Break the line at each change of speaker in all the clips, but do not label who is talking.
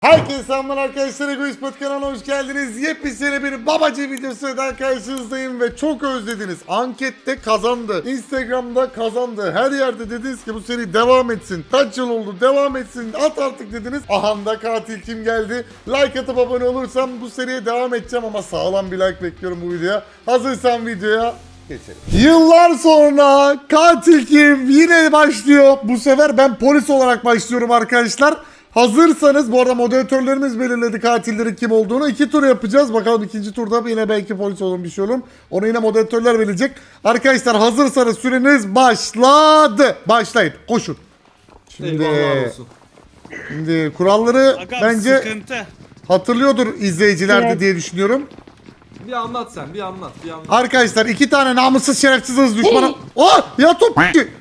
Herkese selamlar arkadaşlar, Egoist Pod kanalına hoş geldiniz. Yepyeni bir babacı videosuyla karşınızdayım ve çok özlediniz. Ankette kazandı, Instagram'da kazandı, her yerde dediniz ki bu seri devam etsin. Kaç yıl oldu devam etsin, at artık dediniz. Aha da katil kim geldi? Like atıp abone olursam bu seriye devam edeceğim ama sağlam bir like bekliyorum bu videoya. Hazırsan videoya geçelim. Yıllar sonra katil kim yine başlıyor. Bu sefer ben polis olarak başlıyorum arkadaşlar. Hazırsanız, bu arada moderatörlerimiz belirledi katillerin kim olduğunu. 2 tur yapacağız. Bakalım ikinci turda yine belki polis olur, bir şey olur. Onu yine moderatörler verecek. Arkadaşlar hazırsanız süreniz başladı. Başlayın. Koşun. Şimdi kuralları
Agam,
bence
sıkıntı.
hatırlıyordur izleyiciler de diye düşünüyorum.
Bir anlat sen, bir anlat.
Arkadaşlar 2 tane namussuz şerefsiz hız düşmanı. Oh! Ya top!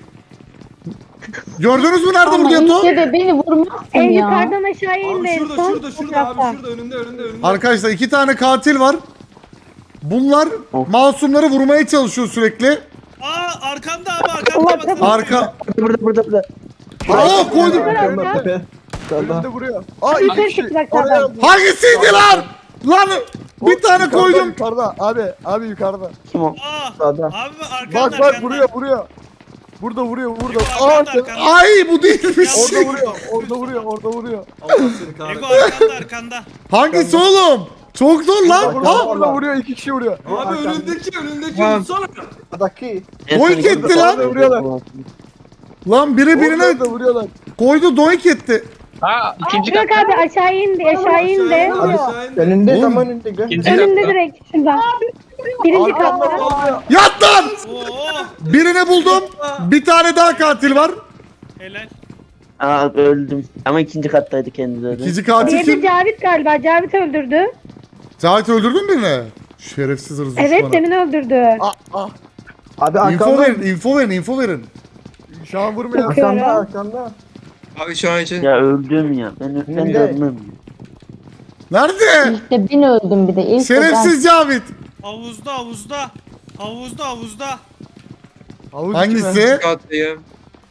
Gördünüz mü nerede burada Yato?
de beni vurmazsın
En
ya.
yukarıdan aşağı
Abi
indi.
şurada,
Son
şurada
fotoğrafta.
abi, şurada önünde.
Arkadaşlar 2 tane katil var. Bunlar masumları vurmaya çalışıyor sürekli.
Aa arkamda abi arkamda bak.
Arka...
Burada.
Aa koydum.
Önünde vuruyor.
Yukarı çıktı bak sağdan.
Hangisiydi lan? Lan bir tane koydum.
Yukarıda abi yukarıda.
Aa
Sağda.
abi arkamda
Bak vuruyor. Burada vuruyor.
Arkanda.
Ay bu değilmiş.
Orada vuruyor.
Allah seni
Ego
kahretsin.
arkanda.
Hangisi oğlum? Çok zor lan. Ha?
Burada vuruyor, 2 kişi vuruyor.
Abi önündeki vursana.
Doink etti lan.
Vuruyorlar.
Lan biri birine
Orada vuruyorlar.
koydu, doink etti.
Bırak abi aşağı indi. Aşağı indi.
Aşağı indi.
Önünde
Oğlum.
tam önünde.
Önünde direkt şuradan. Birinci katta.
Yat lan.
Oo
Birini buldum. Bir tane daha katil var.
helal.
Aa öldüm. Ama ikinci kattaydı kendileri.
İkinci katil
Diğeri
kim?
Cavit galiba. Cavit öldürdü.
Cahit öldürdün mü birini? Şerefsiz hırsız
Evet
düşmanı.
demin öldürdü.
Abi
İnfo verin, info verin.
Şu an vurmuyor.
Bakıyorum.
Arkanda.
Abi şu an için
Ya öldüm ya. Ben
Önünde.
ölmem.
Nerede?
İşte ben öldüm bir de. İlk de
Şerefsiz Cavit.
Havuzda.
Havuz
Hangisi?
kattayım.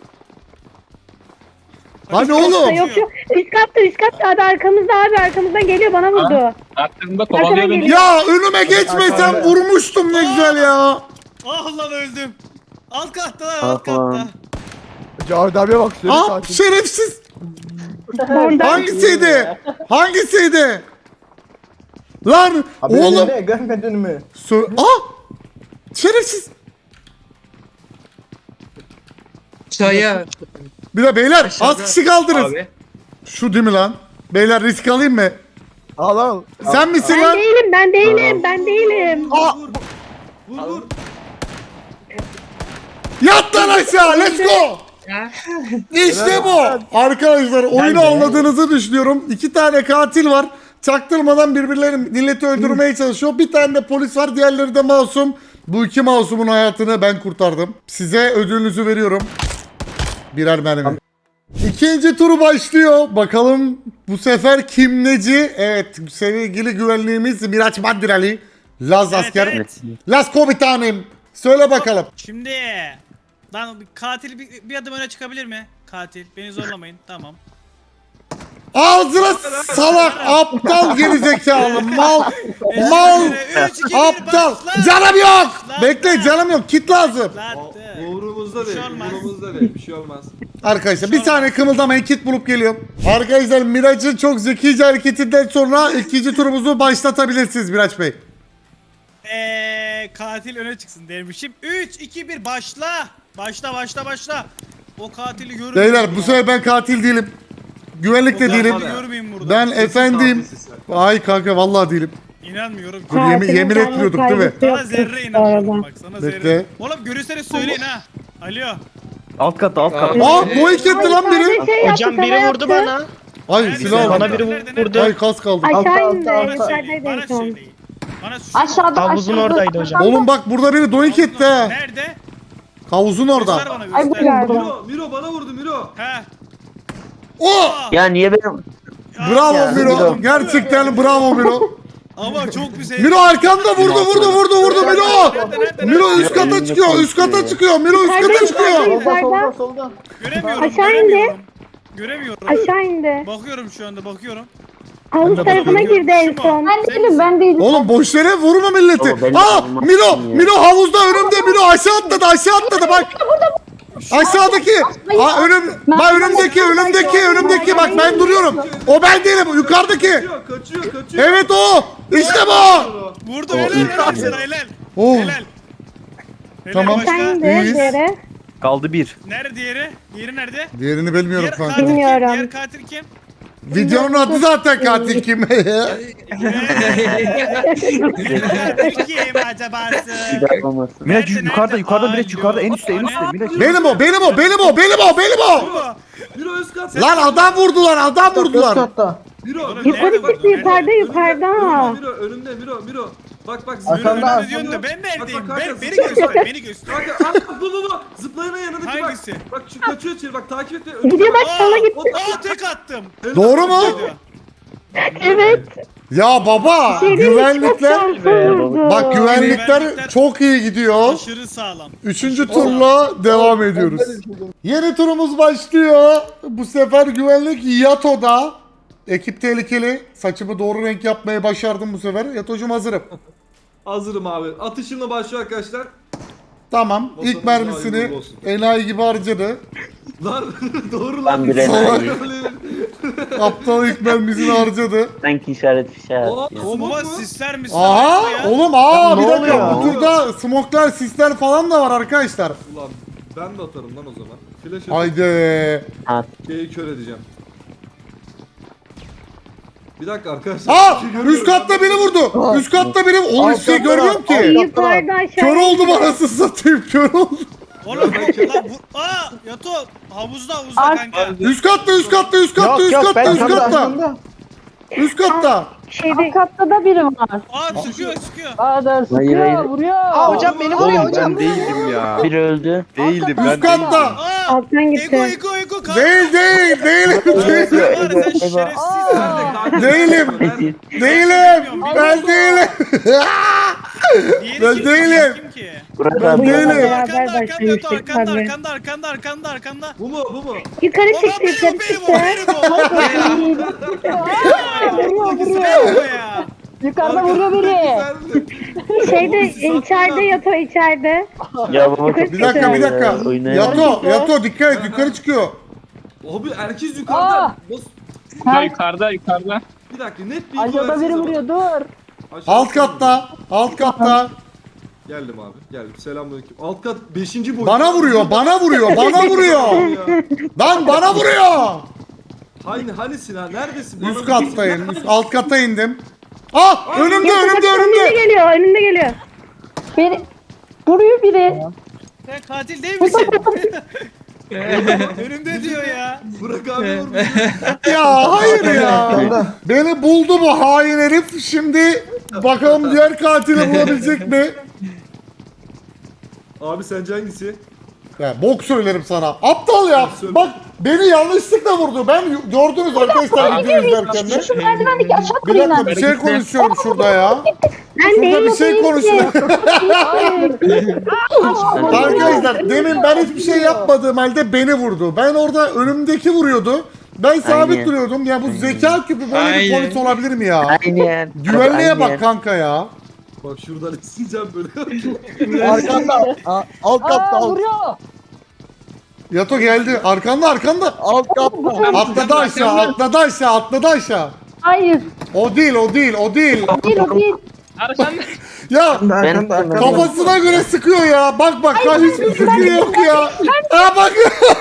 Hani oğlum?
Yok. Üst katta abi arkamızda abi. Arkamızdan geliyor bana vurdu.
Aklımda
Arkadan
kovalıyor beni.
geliyor.
Ya önüme geçmesen vurmuştum ne güzel ya.
Ah lan öldüm. Alt katta lan
Ah
alt katta.
lan.
Cavit abiye bak. Seni
Ah
katil.
şerefsiz.
Oradan.
Hangisiydi? Hangisiydi? Lan
Abi
oğlum.
önünde, görmedin mi?
Şerefsiz.
Aşağıya.
Bir de beyler az
Aşağıda.
kişi kaldınız.
Abi.
Şu değil mi lan? Beyler risk alayım mı?
Al.
Sen misin
Ben
lan?
değilim. Ben değilim.
Vur.
Yat lan aşağı, let's go. İşte bu. Arkadaşlar oyunu anladığınızı düşünüyorum. 2 tane katil var. Çaktırmadan birbirlerini, milleti öldürmeye çalışıyor. Bir tane de polis var, diğerleri de masum. Bu 2 masumun hayatını ben kurtardım. Size ödülünüzü veriyorum. Birer mermi. İkinci turu başlıyor. Bakalım bu sefer kim neci? Evet, sevgili güvenliğimiz Miraç Mandirali. Laz asker.
Evet.
Laz komutanım. Söyle bakalım.
Şimdi lan bir katil bir adım öne çıkabilir mi? Katil beni zorlamayın. Tamam.
Ağzına salak, aptal, gerizekalı, mal,
Üç, iki, bir,
aptal.
başla.
Canım yok.
Lan,
Bekle,
lan.
canım yok. Kit lazım.
Lan
Umurumuzda
Bir şey
değil,
olmaz.
bir şey olmaz.
Arkadaşlar bir saniye kımıldamayın, kit bulup geliyorum. Arkadaşlar Miraç'ın çok zekice hareketinden sonra ikinci turumuzu başlatabilirsiniz Miraç Bey.
Katil öne çıksın dermişim. 3, 2, 1 başla. Başla. O katili görün.
Beyler bu sefer ben katil değilim. Güvenlik de değilim.
Görmeyeyim burada.
Ben efendim.
katilsin sen.
Ay kanka vallahi değilim.
İnanmıyorum.
Dur, yemin etmiyorduk değil mi?
Sana zerre inanmıyorum bak sana
Bekle.
zerre. Oğlum görürseniz söyleyin ha. Alo.
Alt katta alt katta.
Aa bu etti lan biri.
Hocam biri vurdu bana.
Ay
Nerede?
silah aldım.
Bana biri vurdu.
Ay kas kaldı.
Aşağı indi.
Bana
Aşağıdaydı
söyleyin. Bana
en son.
söyleyin. Bana söyleyin.
Aşağıda
Havuzun oradaydı hocam.
Oğlum bak burada biri doink etti ha.
Nerede?
Havuzun
Göster
orada.
bana
Ay bu
göster.
galiba.
Miro bana vurdu Miro.
He.
O!
Ya niye benim?
Bravo
Ya,
Miro.
Miro.
Gerçekten bravo Miro.
Ama çok güzel.
Miro arkanda vurdu Miro. Miro üst kata çıkıyor. Miro üst kata çıkıyor.
Yukarıda.
Solda.
Göremiyorum.
Aşağı indi.
Göremiyorum.
Aşağı indi.
Bakıyorum şu anda bakıyorum.
Havuz
de
tarafına
bakıyorum.
girdi en son.
Ben değilim ben değilim.
Oğlum boş yere vurma milleti.
Oğlum, ben
Aa
vurmam
Milo
ya.
Milo havuzda önümde Milo aşağı atladı bak. Aşağıdaki. Aa önümdeki bak ben duruyorum. O ben değilim yukarıdaki.
Kaçıyor.
Evet o. İşte bu.
Vurdu
O
helal
ilk
helal
yani.
sana helal.
Oh.
Helal. Helal
Tamam.
başka.
Sen
İyiyiz.
de yere.
Kaldı bir.
Nerede diğeri? Diğeri nerede?
Diğerini bilmiyorum
Diğer
kanka.
katil kim?
Bilmiyorum.
Diğer katil kim?
Videonun adı zaten katil kim?
Diğer katil kim acaba?
Bir olmasın.
Miraç
Nerede,
yukarıda
nerede?
yukarıda Miraç
Alo,
yukarıda en üstte en üstte
ana.
Miraç.
benim o.
Miro üst kat.
Lan adam vurdular.
Miro.
Oğlum,
Yukarı
nerede
çıktı
bu?
yukarıda.
Önümde Miro. Bak.
Arkanda.
Ne diyorsun da ben neredeyim?
Bak,
Beni göster, beni göster.
Kanka bu. Zıplayanın yanındaki bak.
Hangisi?
Bak şu kaçıyor içeri bak takip et.
Gidiyor bak sola gitti.
Tek attım.
Doğru mu?
Evet.
Ya baba güvenlikler bak güvenlikler
Güvenlikler-
çok iyi gidiyor.
Aşırı sağlam.
Üçüncü turla devam ediyoruz. Yeni turumuz başlıyor. Bu sefer güvenlik Yato'da. Ekip tehlikeli. Saçımı doğru renk yapmayı başardım bu sefer. Yato'cum hazırım.
Hazırım abi. Atışımla başlıyor arkadaşlar.
Tamam.
Bakalım,
İlk mermisini
hayırlı olsun.
enayi gibi harcadı.
Lan doğru
Ben
lan.
bir enayi.
Aptal ilk mermisini harcadı.
Sanki işaret fişe
Aa,
atıyor.
Bomba
Smoke mu?
sisler misin?
Aha
ya?
oğlum bir
ne
dakika.
oluyor?
Bu turda smoklar, sisler falan da var arkadaşlar.
Ulan ben de atarım lan o zaman. Flash atıp
Haydi.
At.
K'yi kör edeceğim. Bir dakika arkadaşlar.
Aa
bir şey görüyorum.
üst katta beni vurdu. Üst katta beni oğlum hiçbir şey
Arkanda
görmüyorum
var.
ki.
Yukarıda aşağı.
Kör oldum anasını satayım kör oldum.
Oğlum lan bu... Yato havuzda kanka.
Üst katta. Üst katta.
Şeyde
Alt katta da biri var.
Sıkıyor.
Aa dur
Hayır,
sıkıyor
hayır.
vuruyor.
Aa hocam beni vuruyor hocam.
Ben değildim ya.
Bir öldü.
Değildim
Üst katta.
alttan gitti.
Ego kanka.
Değil.
Var sen şerefsiz.
Nerede kanka?
Değilim.
Değilim.
Ben değilim. Ben değilim.
Kim ki?
Burak
Ben
abi.
değilim.
Beraber başlamıştık tabii.
Arkanda.
Bu mu?
Yukarı
Baba
çıktı
benim o. Ya.
Yukarıda vuruyor biri.
Şeyde içeride Yato içeride.
Ya baba çok
Bir dakika.
Oynayamam.
Yato dikkat et yukarı çıkıyor.
Abi herkes yukarıda. Nasıl?
Yukarıda.
Bir dakika net bir
Aşağıda biri vuruyor dur.
Alt katta.
Geldim abi. Geldim. Selamünaleyküm. Alt kat 5. boyut.
Bana vuruyor. Lan bana vuruyor.
Hanisin ha? Neredesin?
Üst
Bana
kattayım. Alt kata indim. Önümde.
Önünde geliyor.
Biri vuruyor biri.
Sen katil değil misin? Önümde diyor ya.
Burak abi vurmuş.
Ya hayır ya. Beni buldu bu hain herif. Şimdi bakalım diğer katili bulabilecek mi?
Abi sence hangisi?
Ya bok söylerim sana. Aptal ya. Bak beni yanlışlıkla vurdu. Ben gördünüz arkadaşlar videoyu izlerken de.
Şu merdivendeki aşağı
Bir
kayın
dakika bir şey konuşuyorum şurada ya.
Ben
Şurada
değilim.
bir şey konuşuyorum. Arkadaşlar demin ben hiçbir şey yapmadığım halde beni vurdu. Ben orada önümdeki vuruyordu. Ben sabit
Aynen.
duruyordum. Ya bu zeka küpü böyle bir
Aynen.
polis olabilir mi ya?
Aynen.
Güvenliğe
Aynen.
bak kanka ya.
Bak şuradan isteyeceğim böyle.
Arkanda. Alt katta.
Aa vuruyor.
Yato geldi. Arkanda.
Alt katta.
Atladı aşağı.
Hayır.
O değil.
Değil o değil.
Ya
Ben
kafasına göre sıkıyor ya. Bak hiçbir fikri yok ya. Bak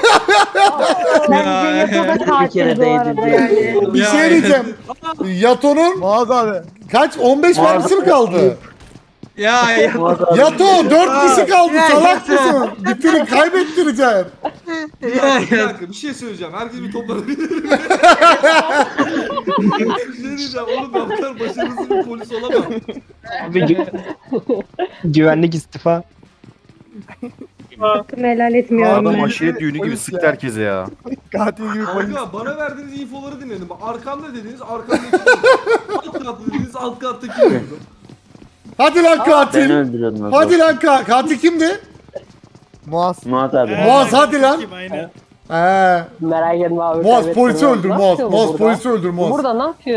Bence Yato'da
Bir kere
katil bu arada
değdi.
yani.
bir şey diyeceğim. Yato'nun
Muaz abi.
kaç 15 mermisi mi kaldı?
Ya.
Yato 4 kişi kaldı salak mısın? Bitirin kaybettireceksin.
Bir dakika bir şey söyleyeceğim. Herkes bir toplanabilir mi? Bir şey diyeceğim. Oğlum ben bu kadar başarısız bir polis olamam.
Güvenlik istifa.
Hakkımı helal etmiyorum
Adam
ben.
aşiret düğünü gibi
Polis
sıktı
ya.
herkese ya.
Katil gibi polis.
Kanka bana verdiğiniz infoları dinledim. Arkamda dediniz arkamdaki alt katta dediniz alt kattaki vurdum.
Hadi lan
Ben
katil.
öldürüyordum. abi.
Hadi lan katil kimdi?
Muaz.
Murat abi.
Muaz, hadi lan.
Aynen.
He.
Merak etme abi.
Muaz
kaybettim
polisi
ya.
öldür
Ne
Muaz.
yapıyor bu
Muaz
burada?
polisi öldür Muaz.
Burada ne yapıyor?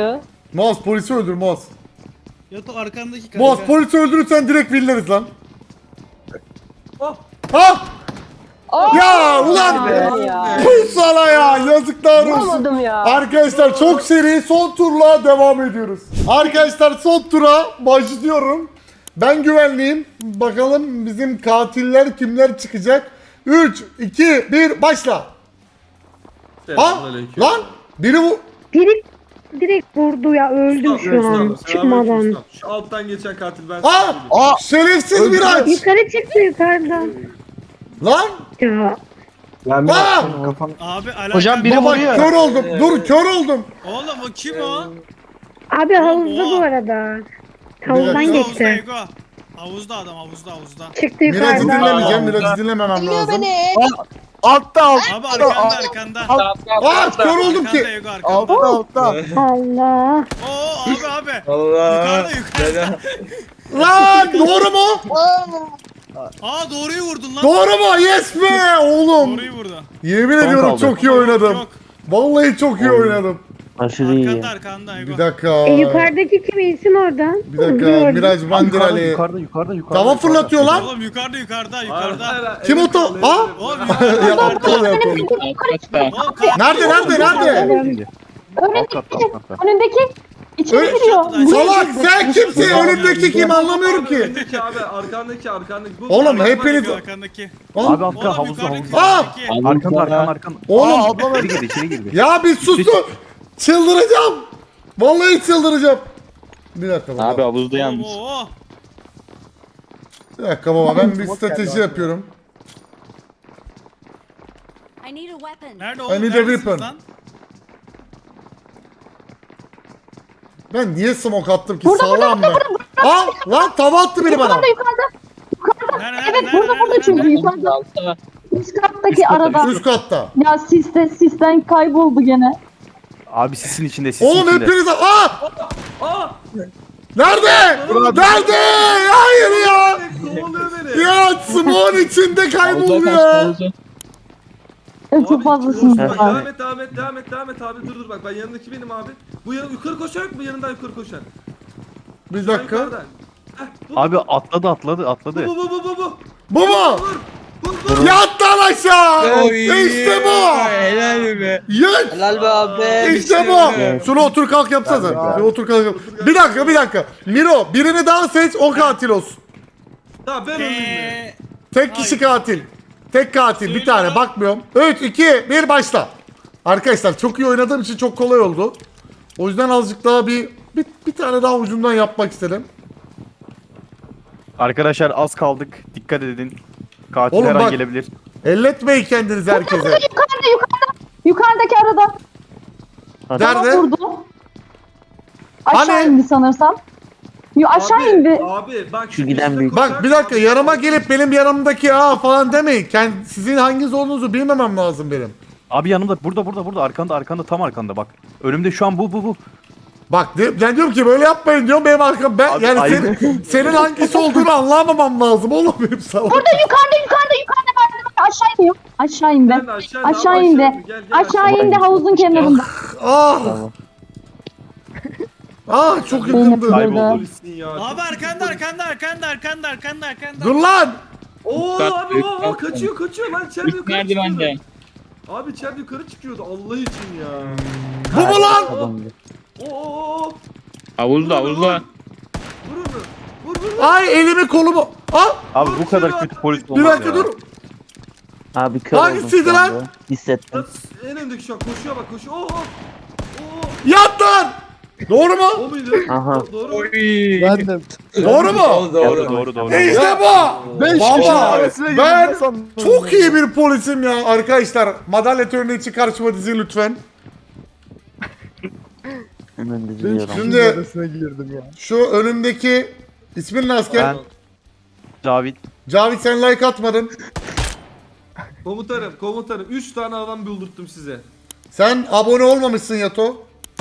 Muaz polisi öldür Muaz.
Yato arkandaki kanka.
Muaz polisi öldürürsen direkt villeriz lan.
Oh.
Ha! Ya ulan
Ya.
bu sana ya yazıklar olsun.
Olmadım ya.
Arkadaşlar çok seri son turla devam ediyoruz. Arkadaşlar son tura başlıyorum. Ben güvenliyim. Bakalım bizim katiller kimler çıkacak. 3, 2, 1 başla. Ha?
Selamünaleyküm.
Lan biri bu.
Biri direkt vurdu ya öldüm şu an çıkmadan.
Şu alttan geçen katil ben.
Ha!
Aa!
Şerefsiz Miraç.
Yukarı çıktı yukarıdan.
Lan!
Ya
Ben
Aa!
kafam.
Abi alaka.
Hocam biri
Baba
vuruyor.
kör oldum. Dur kör oldum.
Oğlum o kim o?
abi havuzda bu arada. Havuzdan
Havuzda,
geçti.
Ego. Havuzda adam havuzda.
Çıktı
Miraç'ı
yukarıdan.
dinlemeyeceğim. Miraç'ı dinlememem lazım.
Altta
Abi arkanda.
Aa kör oldum
Arkanda
ki.
Ego arkanda.
altta.
Allah.
Oo abi.
Allah.
Yukarıda.
Lan doğru mu?
Aa doğruyu vurdun lan.
Doğru mu? Yes be oğlum.
Doğruyu vurdu.
Yemin ediyorum
kaldı.
çok iyi oynadım.
Yok.
Vallahi çok iyi oynadım.
Aşırı iyi.
Arkanda Ego.
Bir dakika.
Yukarıdaki kim iyisin oradan?
Bir dakika. Miraç Bandirali.
Yukarıda.
Tava fırlatıyor lan.
Oğlum yukarıda.
Kim o ta? Ha?
Oğlum
Ya aptal ya aptal.
Oğlum
Nerede?
Alt katta.
Önündeki içeri
Öyle-
giriyor.
Salak sen kimsin? Önümdeki kim anlamıyorum ki.
Arkandaki abi arkandaki. Bu
Oğlum hepiniz...
arkandaki.
Abi altta
Oğlum
havuzda.
yukarıdaki.
Aa!
Arkanda.
Oğlum
İçeri girdi.
ya bir susun. Çıldıracağım. Vallahi çıldıracağım. Bir dakika baba.
Abi havuzda
Oğlum,
yalnız.
oo.
Bir dakika baba ben bir strateji yapıyorum.
I need a weapon.
Nerede
I
oğlum?
need a
Neredesiniz
weapon.
lan?
Ben niye smoke attım ki sağlam ben. Aa lan tava attı biri bana.
Yukarıda.
Nerede?
Evet burada çünkü yukarıda. Üst kattaki arada.
Üst katta.
Ya sisten kayboldu gene.
Abi sisin içinde.
Oğlum hepiniz... Aa!
Aa!
Nerede? Nerede? Hayır ya.
Kovalıyor beni.
Ya smoke'un içinde kayboldu ya.
Çok fazlasınız
Bak,
abi.
devam et abi. Dur bak ben yanındaki benim abi. Bu yukarı koşar mı? Yanından yukarı koşar.
Bir dakika.
Yukarıdan. Heh, bu.
Abi atladı.
Bu.
Bu mu?
Vur.
Yat lan aşağı. İşte bu.
Helal be.
Yat.
Helal be abi.
İşte bu. Şunu otur kalk yapsana. Bir otur kalk yap. Bir dakika. Miro birini daha seç o katil olsun.
Tamam ben öldüm.
Tek kişi katil. Tek katil bir tane bakmıyorum. 3, 2, 1 başla. Arkadaşlar çok iyi oynadığım için çok kolay oldu. O yüzden azıcık daha bir tane daha ucundan yapmak istedim.
Arkadaşlar az kaldık. Dikkat edin. Katil
Oğlum
her
bak.
an gelebilir.
Elletmeyin kendinizi herkese.
Yukarıdaki arada.
Nerede?
Vurdu. Aşağı
Hani?
indi sanırsam. Aşağı indi.
Abi bak
Şu giden büyük.
Bak bir dakika yanıma gelip benim yanımdaki falan demeyin. Sizin hanginiz olduğunuzu bilmemem lazım benim.
Abi yanımda burada arkanda tam arkanda bak. Önümde şu an bu.
Bak ben diyorum ki böyle yapmayın diyorum benim arkam ben
Abi,
yani
aynen.
senin hangisi olduğunu anlamamam lazım oğlum benim sana.
Burada yukarıda merdiven aşağı iniyor. Aşağı indi.
Ben de aşağı indi,
Aşağı
abi,
indi.
gel,
Aşağı indi havuzun kenarında.
Ah. Ah çok yakındı.
Kayboldu.
Polisin ya.
Abi arkanda.
Dur lan.
Oo abi o kaçıyor lan içeride yukarı çıkıyordu. Abi içeride yukarı çıkıyordu Allah için ya.
Bu mu lan?
Oo.
Havuzda.
Vur onu. Vur.
Ay elimi kolumu. Ah
Abi bu kadar kötü polis
bir
olmaz
dakika
ya.
dur.
Abi kör
Hangisiydi
oldum şu
lan?
anda. Hissettim.
En öndeki şu an koşuyor bak koşuyor. Oo.
Yat lan. Doğru mu?
O muydu?
Aha.
Doğru mu?
Ben de.
Doğru mu?
Doğru.
İşte bu.
5
Baba,
kişi arasına
ben
girdim sandım.
çok iyi bir polisim ya arkadaşlar. Madalya töreni için karşıma dizin lütfen.
Hemen
5
diziliyorum.
Şimdi-
kişi arasına girdim ya.
Şu önümdeki ismin ne asker?
Ben Cavit.
Cavit sen like atmadın.
Komutanım 3 tane adam buldurttum size.
Sen abone olmamışsın Yato.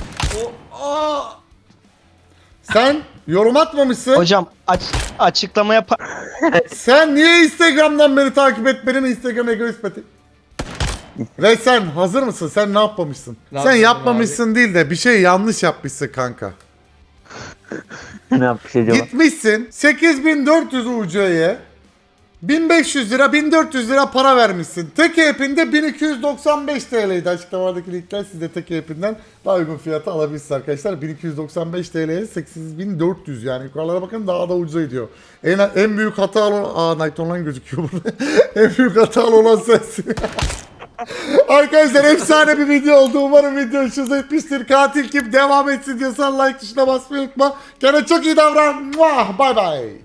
Sen yorum atmamışsın.
Hocam açıklama
Sen niye Instagram'dan beni takip etmedin? Instagram egoist pati. Ve sen hazır mısın? Sen ne yapmamışsın?
Ne
Sen
yapmadım
yapmamışsın değil de bir şey yanlış yapmışsın kanka.
Ne yapmış acaba?
Gitmişsin 8400 UC'ye 1500 lira 1400 lira para vermişsin. Tek app'inde 1295 TL'ydi. Açıklamadaki linkler sizde tek app'inden daha uygun fiyata alabilirsiniz arkadaşlar. 1295 TL'ye 8400 yani yukarılara bakın daha da ucuza gidiyor. En büyük hata olan... Night Online gözüküyor burada. En büyük hata olan sensin. Arkadaşlar efsane bir video oldu. Umarım video hoşunuza gitmiştir. Katil kim devam etsin diyorsan like tuşuna basmayı unutma. Kendine çok iyi davran. Bye bye.